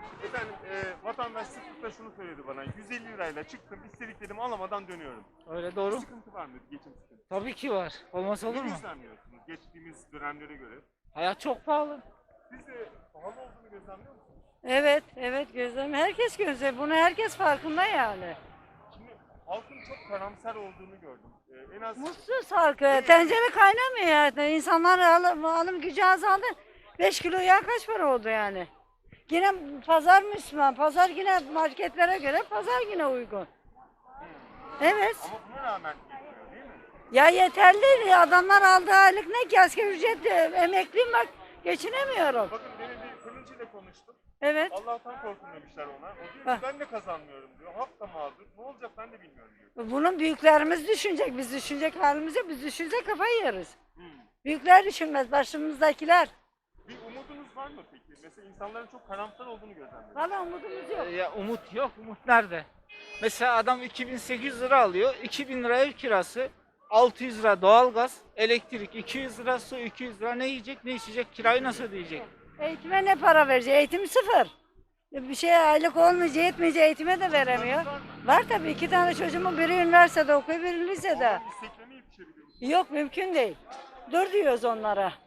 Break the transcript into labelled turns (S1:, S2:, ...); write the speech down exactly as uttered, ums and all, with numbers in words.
S1: Efendim e, vatandaş sıklıkla şunu söyledi bana. yüz elli lirayla çıktım, istediklerimi alamadan dönüyorum.
S2: Öyle
S1: Bir
S2: doğru.
S1: sıkıntı var mı? Geçim sıkıntısı.
S2: Tabii ki var. Olmaz olur
S1: Ne
S2: mu?
S1: gözlemliyorsunuz geçtiğimiz dönemlere göre?
S2: Hayat çok pahalı.
S1: Siz de pahalı olduğunu gözlemliyor musunuz?
S3: Evet, evet gözlem. Herkes gözlem. Bunu herkes farkında yani.
S1: Şimdi halkın çok karamsar olduğunu gördüm. E, en az
S3: Mutsuz halkı. Tencere kaynamıyor yani. İnsanlar alım, alım gücü azaldı. beş kilo yağ kaç para oldu yani? Yine pazar Müslüman. Pazar yine marketlere göre pazar yine uygun. Evet.
S1: ama buna rağmen yetmiyor değil mi?
S3: Ya yeterli değil. Adamlar aldığı aylık ne ki? Asgari ücret emekliyim bak. Geçinemiyorum.
S1: Bakın benim bir fırıncıyla konuştum.
S3: Evet.
S1: Allah'tan korkun demişler ona. O diyor
S3: Hah.
S1: ki ben de kazanmıyorum diyor. Halk da mağdur. Ne olacak ben de bilmiyorum diyor.
S3: Bunun büyüklerimiz düşünecek. Biz düşünecek halimiz yok. Biz düşünecek kafayı yeriz.
S1: Hmm.
S3: Büyükler düşünmez. Başımızdakiler.
S1: Bir umudunuz var mı peki? Mesela insanların çok karamsar olduğunu gözlemliyorum.
S3: Valla umudumuz yok.
S2: Ya umut yok. Umut nerede? Mesela adam iki bin sekiz yüz lira alıyor. iki bin lira ev kirası. altı yüz lira doğalgaz, elektrik, iki yüz lira su, iki yüz lira ne yiyecek, ne içecek, kirayı nasıl ödeyecek?
S3: Eğitime ne para verecek? Eğitim sıfır. Bir şey aylık olmayacak, yetmeyecek eğitime de veremiyor. Var tabii iki tane çocuğumun biri üniversitede okuyor, biri lisede.
S1: Onların isteklerine yetişebiliyor musunuz?
S3: Yok mümkün değil. Dur diyoruz onlara.